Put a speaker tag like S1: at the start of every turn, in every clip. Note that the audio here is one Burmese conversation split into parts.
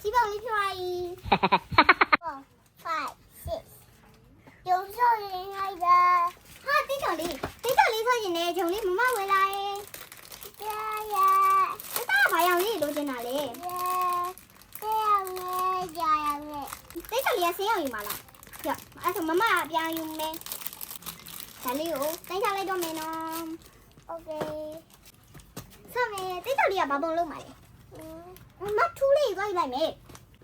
S1: 基本没出来。4, 5, 6。有时候人来的。哈，对头哩，说人呢，从你妈妈回来。爷爷。你打牌样哩，罗进哪里？这样呢，这样呢。对头哩，谁要有嘛啦？哟，从妈妈边用咩？哪里有？等下来多没呢 ？OK。上面对头哩啊，把帮弄嘛嘞。妈出来一个来没？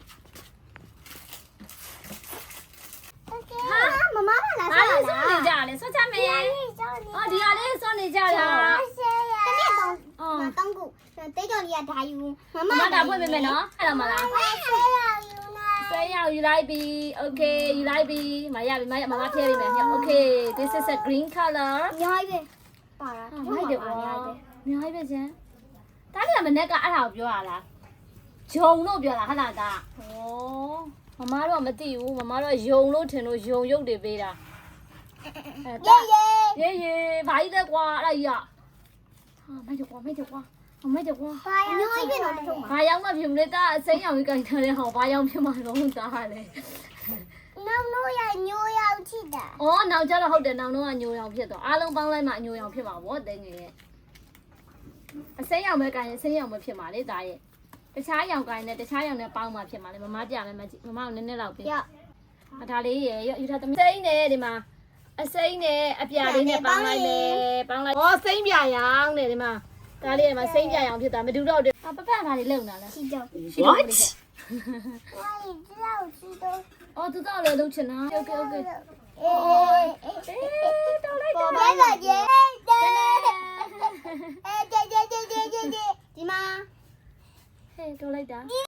S1: 妈妈把
S2: 哪里送你家嘞？说家没？哦，你家里送你家的。
S1: 当股，对头哩啊，大有。妈
S2: 妈打会妹妹喏，看到没啦？谁要you like be? Okay, you like be? 妈呀，妈贴里面。Okay, this is a green color.
S1: 你还呗？ပါလား
S2: မိုက်တယ်ကွာမြိုင်းပဲကျန်ဒါလေးကမနေ့ကအဲ့ဒါကိုပြောရလားဂျုံလို့ပြောတာဟာလားဒါဩမမတို့ကမသိဘူးမမတို့ကယုံလို့ထင်လို့ယုံရုပ်တွေပေးတာရေးဘာကြီးလဲကွာအဲ့ဒါကြီးကဟာမိုက်တယ်ကွာ
S1: ပါရညိုပဲတော့တထုံးပါ
S2: ဘာရောက်မှဖြစ်မလဲဒါအစိမ်းရောင်ကြီးကြိုင်ထားတဲ့ဟောဘာရောက်ဖြစ်မှာတော့ဒါဟာလေ
S1: နောက်လို့ရညိုရောက်ချစ်တာ
S2: ဩနောက်ကျတော့ဟုတ်တယ်နောက်တော့ကညိုရောင်ဖြစ်သွားအားလုံးပေါင်းလိုက်မှညိုရောင်ဖြစ်မှာဗောတင်းငယ်ရဲ့အစိမ်းရောင်ပဲကြိုင်ရင်အစိမ်းရောင်ပဲဖြစ်မှာလေဒါရဲ့တခြားရောင်ကြိုင်နဲ့တခြားရောင်နဲ့ပေါင်းမှဖြစ်မှာလေမမပြမယ်မမကိုနည်းနည်းလောက်ပေးဒါလေးရဲ့ယူထားသမီးစိမ်းနဲ့ဒီမှာအစိမ်းနဲ့အပြာလေးနဲ့ပေါင်းလိုက်မယ်ပေါင်းလိုက်ဩစိမ်းပြရောင်နဲ့ဒီမှာဒါလေးကမှစိမ်းပြရောင်ဖြစ်တာမတူတော့ဘူးပပဒါလေးလုံလာလား
S1: ချစ်တော့
S2: What
S1: ဝါရီ知道知道
S2: အော်သူတော့လည်းလုံချင်တာ Okay
S1: အေး
S2: တော်လိုက်တာ
S1: ဘာလဲကျေဒီမှာ
S2: ဟဲ့တော်လိုက်တာ